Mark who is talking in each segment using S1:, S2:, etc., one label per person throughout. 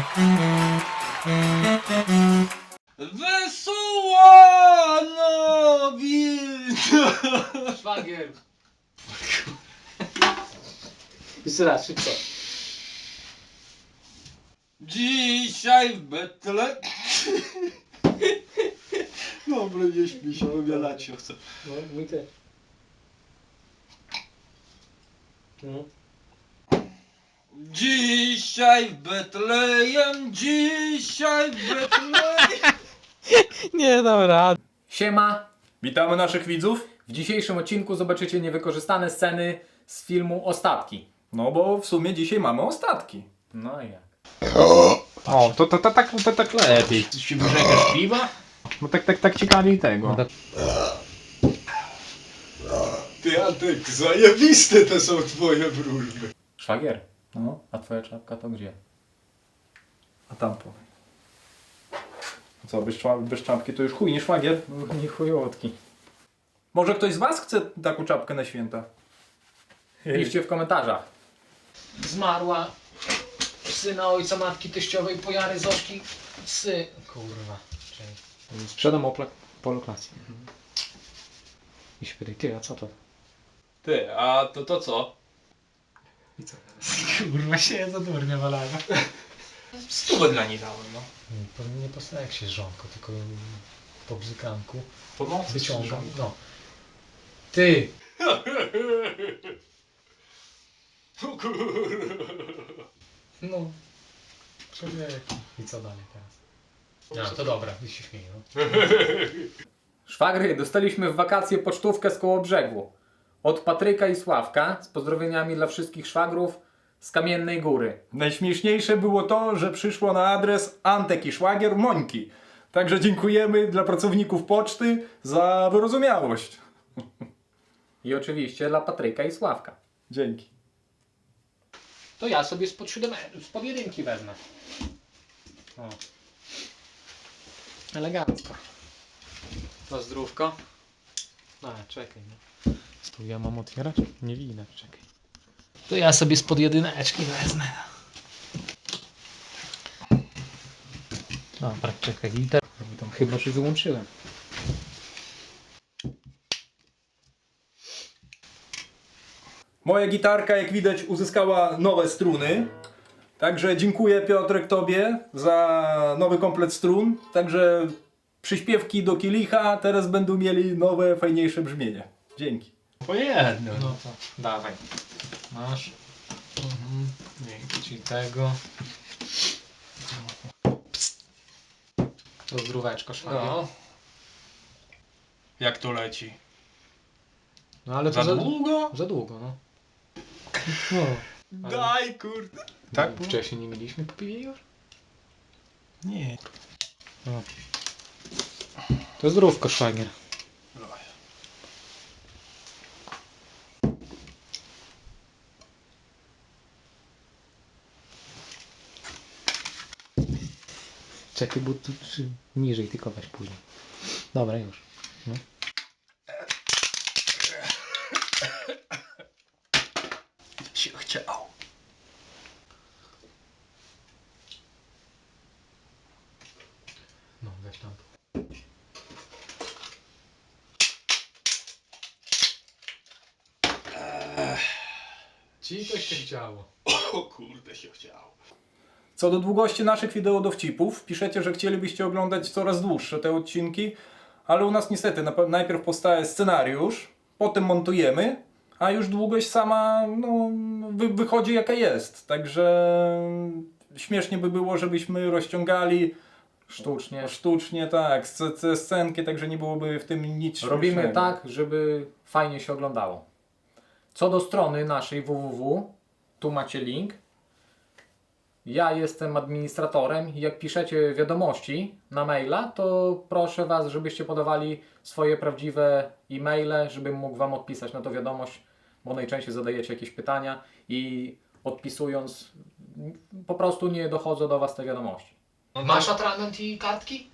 S1: Wesoła nowina!
S2: Szwagier. Jeszcze raz, szybko.
S1: Dzisiaj w Betle... Dobra, nie śmiej się, obiadać się chcę.
S2: No, mi też. No.
S1: Dzisiaj w Betlejem, dzisiaj w Betlejem.
S3: Nie dam rady.
S2: Siema.
S3: Witamy naszych widzów.
S2: W dzisiejszym odcinku zobaczycie niewykorzystane sceny z filmu Ostatki.
S3: No bo w sumie dzisiaj mamy ostatki.
S2: No i jak?
S3: O, to tak lepiej.
S2: Ty się wyrzekasz piwa?
S3: No tak ciekawiej tego.
S1: Ty, Antek, zajebiste te są twoje wróżby.
S2: Szwagier. No, a twoja czapka to gdzie?
S3: A tam powiem. Co, bez czapki to już chuj, nie szwagier?
S2: Nie chujotki.
S3: Może ktoś z was chce taką czapkę na święta?
S2: Piszcie w komentarzach. Zmarła syna ojca matki teściowej Pojary Zośki. Kurwa. Sprzedam poloklasję. I się pytaj, ty, a co to?
S1: Ty, a to co?
S2: I co teraz? Kurwa się za durnie walałem.
S1: 100 dla niej dałem, no.
S2: Nie po seksie żonko, tylko po bzykanku.
S1: Po nocy
S2: Wyciągam, no. Ty!
S1: O kurwa.
S2: No. Człowieku. I co dalej teraz? No to dobra, ty się śmieję. No. Szwagry, dostaliśmy w wakacje pocztówkę z Kołobrzegu. Od Patryka i Sławka, z pozdrowieniami dla wszystkich szwagrów z Kamiennej Góry.
S3: Najśmieszniejsze było to, że przyszło na adres Antek i szwagier Mońki. Także dziękujemy dla pracowników poczty za wyrozumiałość.
S2: I oczywiście dla Patryka i Sławka.
S3: Dzięki.
S2: To ja sobie spod jedynki wezmę. O. Elegancko. To zdrówko. A, czekaj. No. Tu ja mam otwierać? Nie widać, czekaj. To ja sobie spod jedyneczki wezmę. Dobra, czekaj, liter. Tam chyba, że wyłączyłem.
S3: Moja gitarka, jak widać, uzyskała nowe struny. Także dziękuję, Piotrek, tobie za nowy komplet strun. Także przyśpiewki do kielicha teraz będą mieli nowe, fajniejsze brzmienie. Dzięki.
S1: Po jedno.
S2: No to dawaj. Masz. Dzięki ci tego. To zdróweczko szwagier.
S1: No. Jak to leci?
S2: No ale
S1: Za
S2: to
S1: długo?
S2: Za długo, no. No. Ale
S1: Daj kurde.
S3: Tak?
S2: wcześniej nie mieliśmy po piwie już?
S1: Nie.
S2: No. To zdrówko szwagier. Czekaj, bo tu niżej tylko weź później. Dobra, już. No.
S1: Się chciał.
S2: No, weź tam. Ci to się chciało.
S1: O kurde się chciało.
S3: Co do długości naszych wideodowcipów, piszecie, że chcielibyście oglądać coraz dłuższe te odcinki, ale u nas niestety najpierw powstaje scenariusz, potem montujemy, a już długość sama no, wychodzi jaka jest. Także śmiesznie by było, żebyśmy rozciągali sztucznie tak, scenki, także nie byłoby w tym nic
S2: Robimy
S3: śmiesznego.
S2: tak, żeby fajnie się oglądało. Co do strony naszej www, tu macie link. Ja jestem administratorem i jak piszecie wiadomości na maila, to proszę Was, żebyście podawali swoje prawdziwe e-maile, żebym mógł Wam odpisać na to wiadomość, bo najczęściej zadajecie jakieś pytania i odpisując po prostu nie dochodzą do Was te wiadomości. Masz atrament i kartki?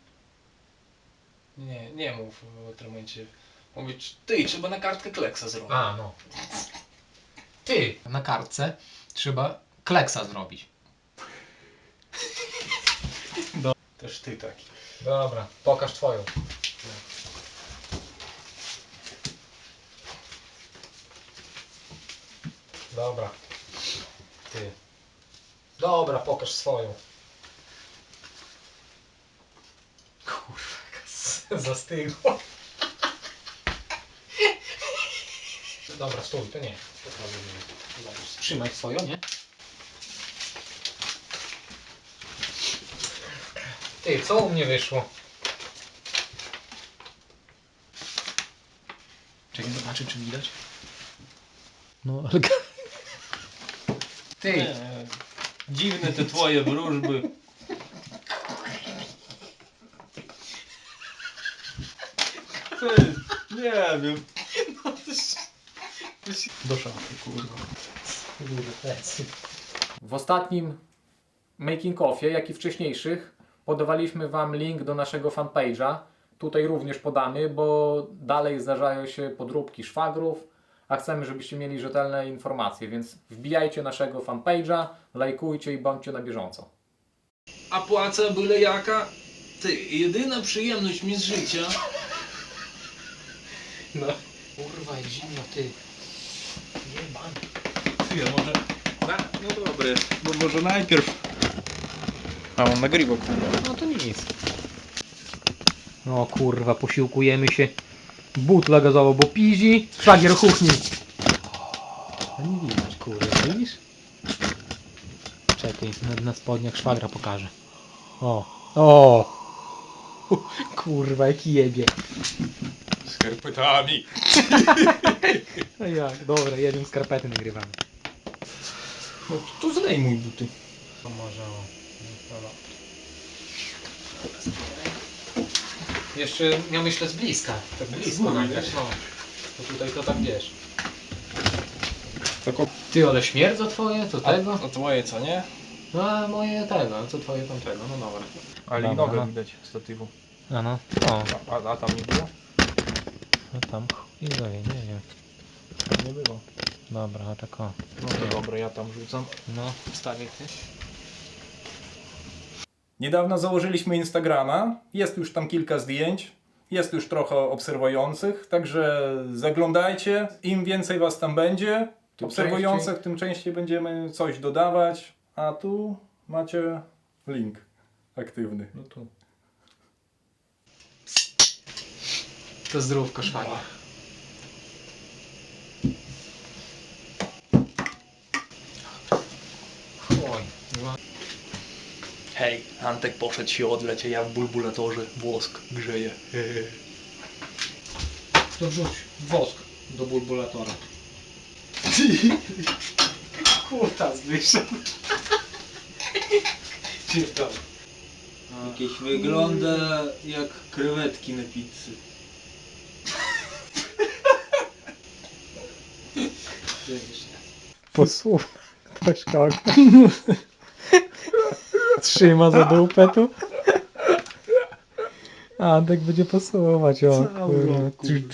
S1: Nie mów w tym momencie. Mówić, ty, trzeba na kartkę kleksa zrobić.
S2: A, no. Ty, na kartce trzeba kleksa zrobić.
S1: Też ty taki.
S2: Dobra, pokaż twoją. Dobra. Ty. Dobra, pokaż swoją. Kurwa, zastygło. Dobra, stój, to nie. Zobacz, trzymaj swoją, nie? Ty, co u mnie wyszło? Czekaj, zobaczę, czy widać. No, ale... Ty,
S1: Nie, dziwne te twoje wróżby. Ty, nie wiem. Do szafy, kurwa.
S2: w ostatnim making offie, jak i wcześniejszych, podawaliśmy Wam link do naszego fanpage'a. Tutaj również podamy, bo dalej zdarzają się podróbki szwagrów, a chcemy, żebyście mieli rzetelne informacje, więc wbijajcie naszego fanpage'a, lajkujcie i bądźcie na bieżąco.
S1: A płaca byle jaka? Ty, jedyna przyjemność mi z życia.
S2: No. Kurwa, jak zimno, ty. Jebany.
S1: Ty, a może... No dobre, bo może najpierw... A on nagrywa, kurwa.
S2: No to nic. No kurwa, posiłkujemy się. Butla gazowa, bo pizi, szwagier kuchni. A nie widać, kurwa, widzisz? Czekaj, na spodniach szwagra pokażę. O! Kurwa, jak jebie.
S1: Skarpetami.
S2: No jak, dobra, jedziemy skarpety nagrywamy.
S1: No to zdejmuj buty.
S2: To może jeszcze ja myślę z bliska. Tak blisko
S1: Mówię,
S2: nagrać,
S1: wiesz?
S2: no. To tutaj to tak wiesz.
S1: Tako...
S2: Ty, ale śmierdzo twoje, to tego?
S1: A twoje co, nie?
S2: No a moje tego, a co twoje tamtego, no dobra.
S1: Ale
S2: Dobra,
S1: i nogę
S2: no.
S1: widać statywu.
S2: A no, o,
S1: A tam nie było?
S2: no tam chuj wie, nie wiem.
S1: Nie było.
S2: Dobra, a tak o.
S1: No to dobra, ja tam rzucam.
S2: No, wstawię ty.
S3: Niedawno założyliśmy Instagrama, jest już tam kilka zdjęć, jest już trochę obserwujących, także zaglądajcie, im więcej was tam będzie,
S2: Tym
S3: obserwujących, tym częściej będziemy coś dodawać, a tu macie link aktywny.
S1: No tu.
S2: To zdrówko szwagier. Oj,
S1: Hej, Antek poszedł się odleć, a ja w bulbulatorze wosk grzeję.
S2: to wrzuć wosk do bulbulatora. Kutas wyszedł.
S1: Jakieś wygląda jak krewetki na pizzy.
S2: Posłuchaj, ktoś kogo. Trzyma za dupę tu. Antek będzie posuwać, o kurwa.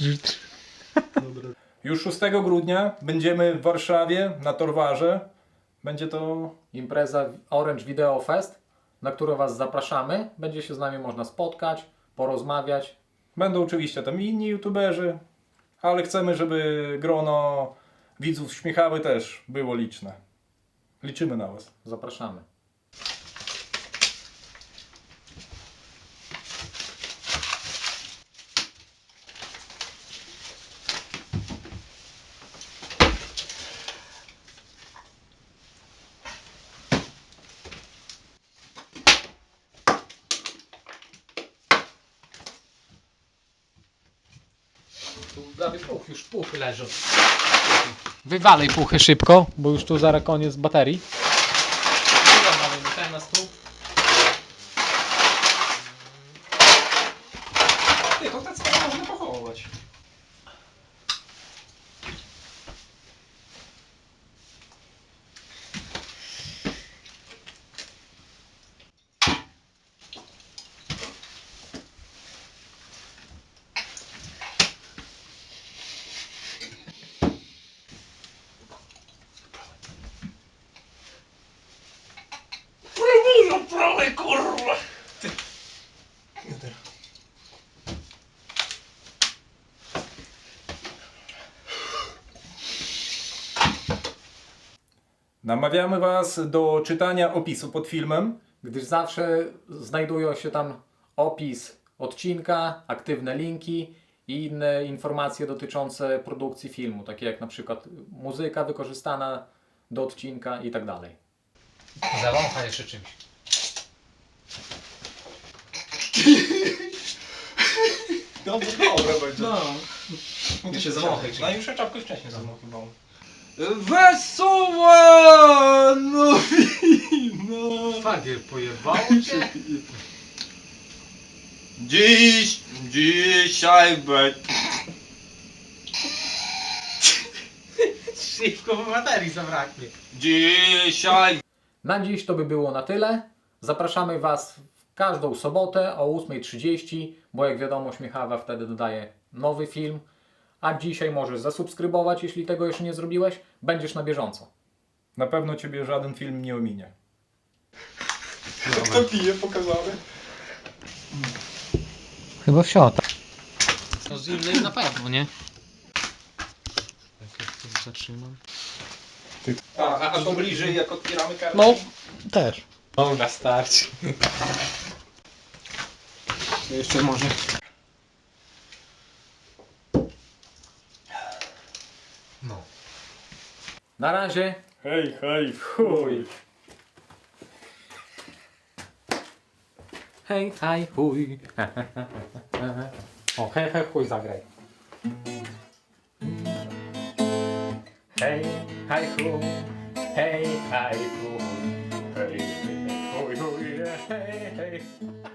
S3: Już 6 grudnia będziemy w Warszawie na Torwarze. Będzie to
S2: Impreza Orange Video Fest, na którą Was zapraszamy. Będzie się z nami można spotkać, porozmawiać.
S3: Będą oczywiście tam inni youtuberzy, ale chcemy, żeby grono widzów Śmiechawy też było liczne. Liczymy na was.
S2: Zapraszamy. Tu prawie już puchy leżą. Wywalej puchy szybko, bo już tu zaraz koniec baterii. Ten na stół.
S1: Ty, to tak można pochować. Prawej, kurwa!
S3: Namawiamy Was do czytania opisu pod filmem.
S2: Gdyż zawsze znajdują się tam opis odcinka, aktywne linki i inne informacje dotyczące produkcji filmu, takie jak na przykład muzyka wykorzystana do odcinka i tak dalej. Zawącha jeszcze czymś.
S3: Dobre będzie.
S1: No.
S3: Ja się zawąchaj. No już czapkę wcześniej zawąchywałem.
S1: Wesoła nowina!
S2: Fagiel, pojebało cię?
S1: Dzisiaj będzie...
S2: Szybko, bo materii zabraknie.
S1: Dzisiaj...
S2: Na dziś to by było na tyle. Zapraszamy Was w każdą sobotę o 8:30, bo jak wiadomo Śmiechawa wtedy dodaje nowy film. A dzisiaj możesz zasubskrybować, jeśli tego jeszcze nie zrobiłeś. Będziesz na bieżąco.
S3: Na pewno Ciebie żaden film nie ominie.
S1: Kto pije pokazany?
S2: Chyba wsiota. To z innej na pewno, nie? Jak to zatrzymam.
S3: A to bliżej jak otwieramy kartę?
S2: No, też.
S1: Dobra, starczy.
S2: Jeszcze może. No. Na razie.
S3: Hej, hej, chuj.
S2: Hej, hej, chuj. O, hej, hej, chuj zagraj. Hej, hej, chuj. Hej, hej, chuj. Hej, hej, chuj, chuj. Hej, hej.